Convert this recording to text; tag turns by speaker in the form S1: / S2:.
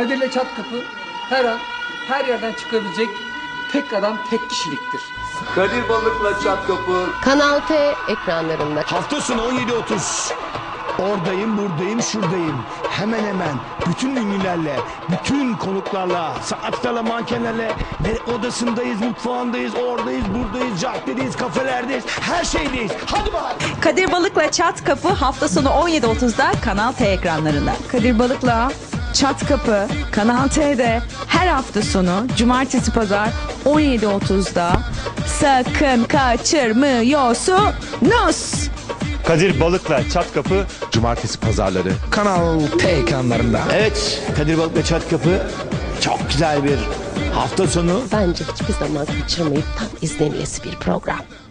S1: Kadir'le Çatkapı her an her yerden çıkabilecek tek adam tek kişiliktir.
S2: Kadir Balık'la Çatkapı.
S3: Kanal T ekranlarında.
S4: Hafta sonu 17.30. Oradayım, buradayım, şuradayım. Hemen hemen bütün ünlülerle, bütün konuklarla, sanatçılarla, mankenlerle odasındayız, mutfağındayız, oradayız, buradayız, caddedeyiz, kafelerdeyiz, her şeydeyiz. Hadi bakalım.
S5: Kadir Balık'la Çatkapı hafta sonu 17.30'da Kanal T ekranlarında.
S6: Kadir Balık'la Çatkapı Kanal T'de her hafta sonu cumartesi pazar 17.30'da sakın kaçırmıyorsunuz.
S7: Kadir Balık'la Çatkapı
S4: Cumartesi pazarları Kanal T ekranlarında. Evet, Kadir Balık'la Çatkapı çok güzel bir hafta sonu.
S3: Bence hiçbir zaman kaçırmayıp tam izlenilesi bir program.